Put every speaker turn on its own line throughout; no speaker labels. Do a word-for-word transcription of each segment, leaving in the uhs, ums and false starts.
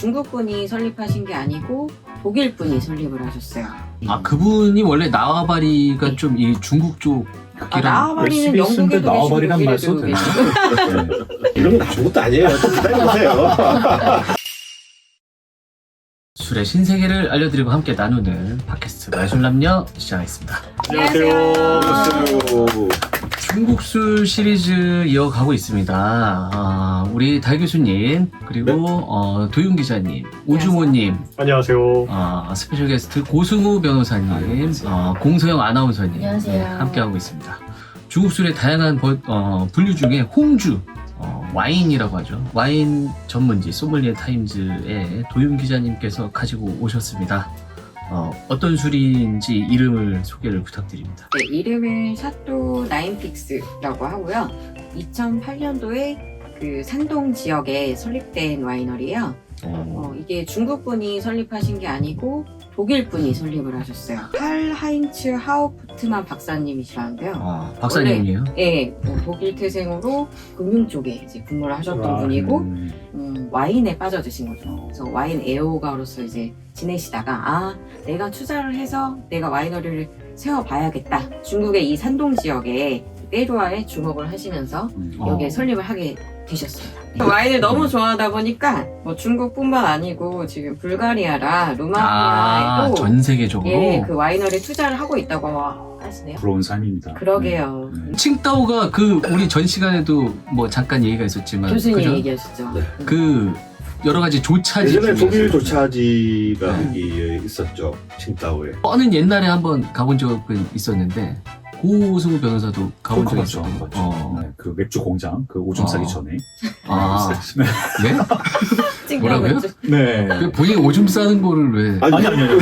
중국 분이 설립하신 게 아니고 독일 분이 설립을 하셨어요.
아 그분이 원래 나와바리가 좀 이 중국 쪽
아, 나와바리는
열심히 쓰는데
영국에도
나와바리란 말
계시고
써도
독일에도
되나?
계시고.
이런 건 아무것도 아니에요. 좀 기다려보세요.
술의 신세계를 알려드리고 함께 나누는 팟캐스트 마술남녀 시작하겠습니다.
안녕하세요.
중국 술 시리즈 이어가고 있습니다. 아, 우리 달 교수님 그리고
네.
어, 도윤 기자님, 오주모님,
안녕하세요.
아, 스페셜 게스트 고승우 변호사님,
안녕하세요.
어, 공소영 아나운서님
안녕하세요.
네, 함께하고 있습니다. 중국 술의 다양한 버- 어, 분류 중에 홍주, 어, 와인이라고 하죠. 와인 전문지 소믈리에 타임즈의 도윤 기자님께서 가지고 오셨습니다. 어, 어떤 술인지 이름을 소개를 부탁드립니다.
네, 이름은 샤또 나인픽스라고 하고요. 이천팔 년도에 그 산동 지역에 설립된 와이너리예요. 어, 이게 중국 분이 설립하신 게 아니고 독일 분이 설립을 하셨어요. 칼 하인츠 하우프트만 박사님이시라는데요.
아, 박사님이에요?
예, 뭐 독일 태생으로 금융 쪽에 이제 근무를 하셨던 분이고
음,
음, 와인에 빠져드신 거죠. 그래서 와인 애호가로서 이제 지내시다가 아 내가 투자를 해서 내가 와이너리를 세워봐야겠다. 중국의 이 산동 지역에 때루아에 주목을 하시면서
음.
여기에
어.
설립을 하게 되셨습니다. 와인을 너무 좋아하다 보니까 뭐 중국뿐만 아니고 지금 불가리아랑
아,
루마니아에도
전 세계적으로?
예, 그 와이너리 투자를 하고 있다고 하시네요.
부러운 삶입니다.
그러게요.
네.
칭따오가 그 우리 전 시간에도 뭐 잠깐 얘기가 있었지만
교수님
그죠?
얘기하시죠.
네.
그 여러 가지 조차지
예전에
중에서
독일 조차지가
네.
여기 있었죠. 칭따오에.
뻔은 옛날에 한번 가본 적은 있었는데 고승우 변호사도 가본 적이
맞죠,
있었던 거.
맞죠.
어.
네, 그 맥주 공장, 그 오줌 싸기
어.
전에.
아,
네.
네?
찍는
뭐라고요?
거죠.
네.
그 본인 오줌 싸는 거를 왜?
아니,
아니, 아니, 아니.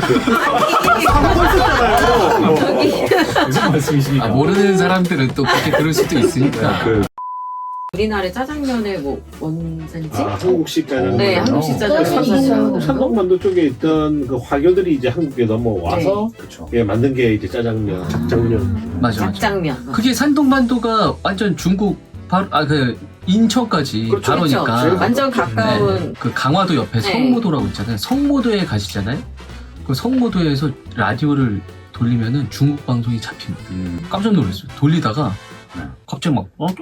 했었잖아요.
무슨 말씀이십니까?
아, 모르는 사람들은 또 그렇게 들을 수도 있으니까.
그,
우리나라의 짜장면의 뭐 원산지?
아, 한국식 짜장면.
네,
어,
한국식
짜장면이
짜장면.
있어요.
산동반도 쪽에 있던 그 화교들이 이제 한국에 넘어와서
그렇죠.
예, 만든 게 이제 짜장면, 작장면.
맞아, 맞아.
닭장면.
그게 산동반도가 완전 중국 바로 아 그 인천까지
그렇죠,
바로니까.
그렇죠.
완전 가까운.
네. 그 강화도 옆에
네.
성모도라고 있잖아요. 성모도에 가시잖아요. 그 성모도에서 라디오를 돌리면은 중국 방송이 잡힙니다.
음.
깜짝 놀랐어요. 돌리다가
네.
갑자기 막 어,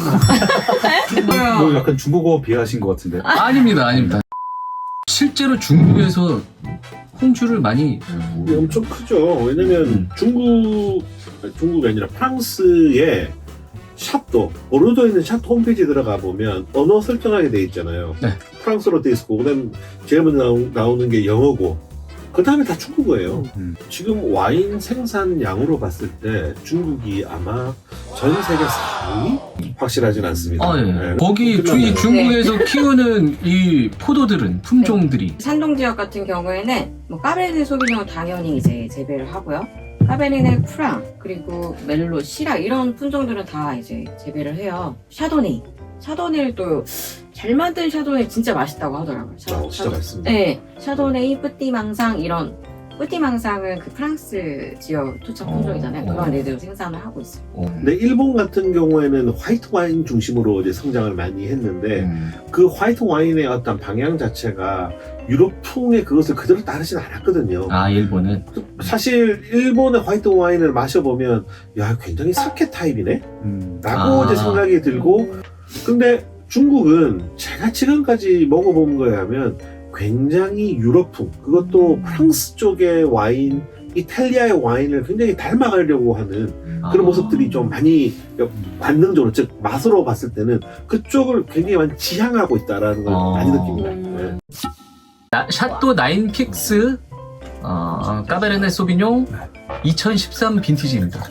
뭐 약간 중국어 비하하신 것 같은데.
아닙니다, 아닙니다. 실제로 중국에서 홍주를 많이
이게 엄청 크죠. 왜냐면
음.
중국, 아니, 중국이 아니라 프랑스의 샤또, 보르도에 있는 샤또 홈페이지 들어가 보면 언어 설정하게 돼 있잖아요.
네.
프랑스어로 돼 있고, 그 다음에 제일 먼저 나오, 나오는 게 영어고, 그 다음에 다 중국어예요.
음.
지금 와인 생산량으로 봤을 때 중국이 아마 전 세계 사 위? 확실하진 않습니다.
아, 예.
네.
거기 주,
끝났네요.
이 중국에서 키우는 이 포도들은 품종들이
산동 지역 같은 경우에는 뭐 까베르네 소비뇽 당연히 이제 재배를 하고요. 까베르네 프랑 그리고 멜로, 시라 이런 품종들은 다 이제 재배를 해요. 샤도네이. 샤도네이를 또 잘 만든 샤도네이 진짜 맛있다고 하더라고요. 샤-
아, 진짜
샤도-
맛있습니다.
네, 샤도네이, 뿌띠망상 이런 뿌띠망상은 그 프랑스 지역 토착 품종이잖아요.
어, 어.
그런 애들 생산을 하고 있어요.
어.
근데 일본 같은 경우에는 화이트 와인 중심으로 이제 성장을 많이 했는데
음.
그 화이트 와인의 어떤 방향 자체가 유럽풍의 그것을 그대로 따르진 않았거든요.
아 일본은
사실 일본의 화이트 와인을 마셔보면 야 굉장히 사케 타입이네?
음.
라고
아.
이제 생각이 들고 근데 중국은 제가 지금까지 먹어본 거에 하면 굉장히 유럽풍 그것도 프랑스 쪽의 와인 이탈리아의 와인을 굉장히 닮아가려고 하는 그런
아.
모습들이 좀 많이 관능적으로 즉 맛으로 봤을 때는 그쪽을 굉장히 많이 지향하고 있다라는 걸
어.
많이 느낍니다.
음.
네.
나, 샤또 나인픽스 어, 까베르네 소비뇽 이천십삼 빈티지입니다.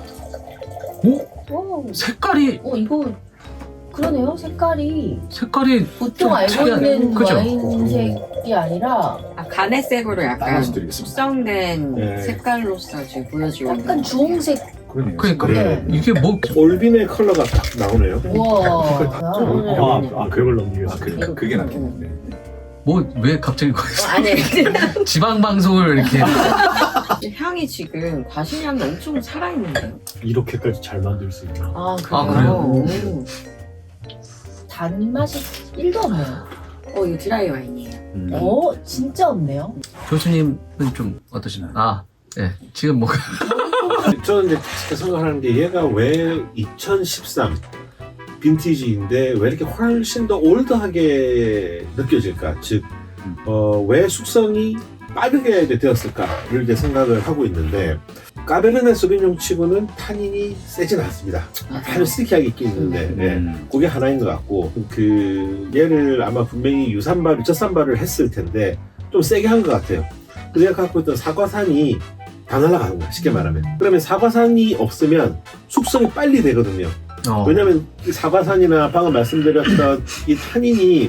오?
오,
색깔이
어 이거 그러네요. 색깔이
색깔이
보통
좀
알고
특이하네.
있는
그죠?
와인색이 아니라
아, 간의색으로 약간
따라서 드리겠습니다.
숙성된
네.
색깔로서 지금 보여주고 있는
약간 주홍색.
그러네요.
그러니까
네.
이게 뭐
올빈의 컬러가 딱 나오네요.
우와.
아, 아, 그걸 넘기겠습니다.
아, 그-
그게 낫겠네.
뭐 왜 갑자기 거기서
어, 아니
지방 방송을 이렇게
향이 지금 과실향이 엄청 살아있는데요.
이렇게까지 잘 만들 수 있나?
아
아,
그래요?
그래요?
오.
단맛이 일도 없네요.
어 이거 드라이 와인이에요.
음.
어, 진짜 없네요.
교수님은 좀 어떠신가요? 아, 네. 지금 뭐
저는 이제 진짜 생각하는 게 얘가 왜 이천십삼 빈티지인데 왜 이렇게 훨씬 더 올드하게 느껴질까? 즉, 어, 왜 숙성이 빠르게 되었을까를 이제 생각을 하고 있는데 까베르네 소비뇽 치고는 타닌이 세진 않습니다. 아주 스티키하게 있긴 있는데
음.
예, 그게 하나인 것 같고 그 얘를 아마 분명히 유산발, 유차산발을 했을 텐데 좀 세게 한 것 같아요. 그래서 얘가 갖고 있던 사과산이 다 날아가는 거야, 쉽게 말하면. 그러면 사과산이 없으면 숙성이 빨리 되거든요.
어,
왜냐면 이 사과산이나 방금 말씀드렸던 이 타닌이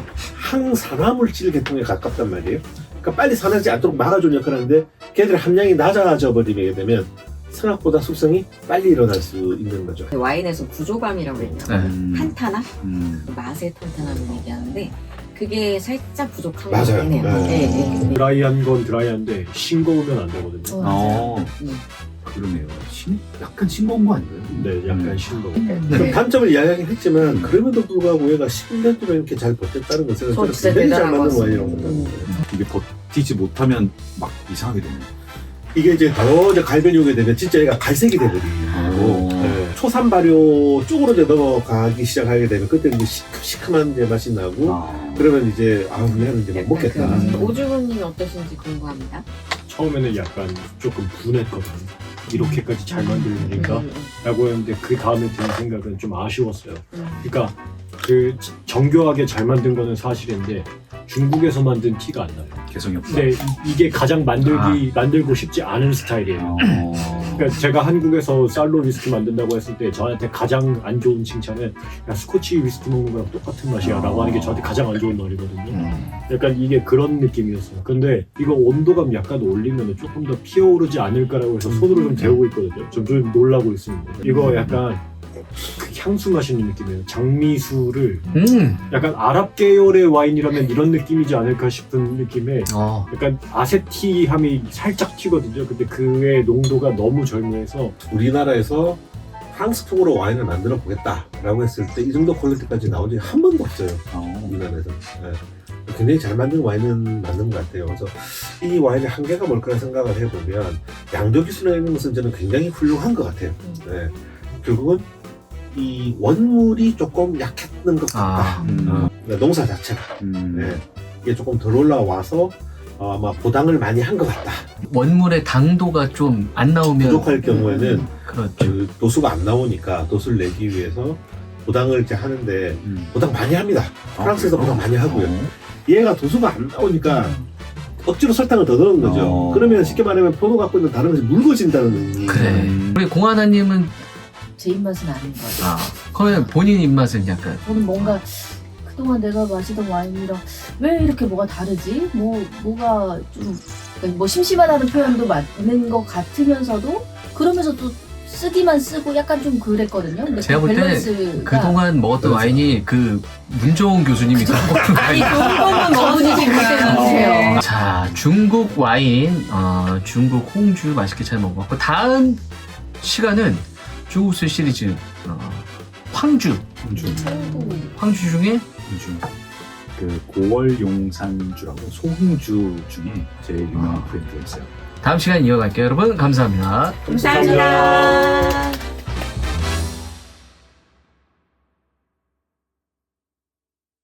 항산화물질 계통에 가깝단 말이에요. 그러니까 빨리 산화하지 않도록 막아주는 역할을 하는데 걔들 함량이 낮아져 버리게 되면 생각보다 숙성이 빨리 일어날 수 있는 거죠.
그 와인에서 구조감이라고 했죠.
네.
음.
탄탄함?
음.
맛의 탄탄함을 얘기하는데 그게 살짝 부족한 것
맞아요.
같긴 해요.
네.
네, 네, 네.
드라이한 건 드라이한데 싱거우면 안 되거든요.
어, 맞아요.
어,
음.
그러네요. 신, 약간 싱거운 거 아닌가요?
네, 약간
음.
싱거워.
음.
좀
네.
단점을 이야기하긴 했지만 그럼에도 불구하고 얘가 십 년 동안 이렇게 잘 버텼다는 것은
저
저는
진짜
굉장히 잘
대단한
맞는
것
와인이라고
같습니다.
생각합니다.
이게 버티지 못하면 막 이상하게 되네요.
이게 이제 더 이제 갈변이 오게 되면 진짜 얘가 갈색이 돼버리고
오.
네. 초산 발효 쪽으로 이제 넘어가기 시작하게 되면 그때 이제 시큼시큼한 이제 맛이 나고
아.
그러면 이제 아우 얘는 이제 못 먹겠다.
그
음.
오주부님 어떠신지 궁금합니다.
처음에는 약간 조금 분했거든요. 이렇게까지 잘 만들니까
음, 음,
라고 했는데 그 다음에 드는 생각은 좀 아쉬웠어요.
음.
그러니까 그 정교하게 잘 만든 거는 사실인데 중국에서 만든 티가 안 나요.
개성이 없다.
근데 이- 이게 가장 만들기 만들고 싶지 않은 스타일이에요.
어.
그러니까 제가 한국에서 쌀로 위스키 만든다고 했을 때 저한테 가장 안 좋은 칭찬은 야 스코치 위스키 먹는 거랑 똑같은 맛이야 라고 하는 게 저한테 가장 안 좋은 말이거든요.
음.
약간 이게 그런 느낌이었어요. 근데 이거 온도감 약간 올리면 조금 더 피어오르지 않을까라고 해서 손으로 좀 데우고 있거든요. 좀, 좀 놀라고 있습니다. 이거 약간 그 향수 마시는 느낌이에요. 장미수를
음,
약간 아랍 계열의 와인이라면 이런 느낌이지 않을까 싶은 느낌에
어,
약간 아세티함이 살짝 튀거든요. 근데 그의 농도가 너무 절묘해서
우리나라에서 프랑스풍으로 와인을 만들어 보겠다라고 했을 때 이 정도 퀄리티까지 나온 적이 한 번도 없어요.
어.
우리나라에서. 네. 굉장히 잘 만든 와인은 맞는 것 같아요. 그래서 이 와인의 한계가 뭘까 생각을 해보면 양도 기술에 있는 것은 저는 굉장히 훌륭한 것 같아요. 네. 결국은 이 원물이 조금 약했는 것 같다.
아,
음.
어, 그러니까 농사 자체가
음.
네. 이게 조금 덜 올라와서 어, 아마 보당을 많이 한 것 같다.
원물의 당도가 좀 안 나오면
부족할 경우에는
그렇죠.
그 도수가 안 나오니까 도수를 내기 위해서 보당을 이제 하는데
음.
보당 많이 합니다. 프랑스에서
아,
보당 많이 하고요.
어.
얘가 도수가 안 나오니까 억지로 설탕을 더 넣은 거죠.
어.
그러면 쉽게 말하면 포도 갖고 있는 다른 것이 묽어진다는 의미.
그래.
음.
우리 공하나님은
제 입맛은 아닌 것 같아요.
아, 그러면 본인 입맛은 약간
저는 뭔가 그동안 내가 마시던 와인이랑 왜 이렇게 뭐가 다르지? 뭐 뭐가 좀 뭐 심심하다는 표현도 맞는 것 같으면서도 그러면서 또 쓰기만 쓰고 약간 좀 그랬거든요. 근데
제가
그
볼 때는
밸런스가
그동안 먹었던
그렇죠.
와인이 그 문정훈 교수님이 갖고 있는
아니
와인.
좋은 거는 먹으니 좀 그때요.
자, 중국 와인, 어, 중국 홍주 맛있게 잘 먹었고 다음 시간은 중국술 시리즈 어, 황주,
홍주.
황주 중에
홍주. 그 고월용산주라고 소홍주 중에 제일 유명한 브랜드가 있어요.
다음 시간 이어갈게요. 여러분 감사합니다.
감사합니다.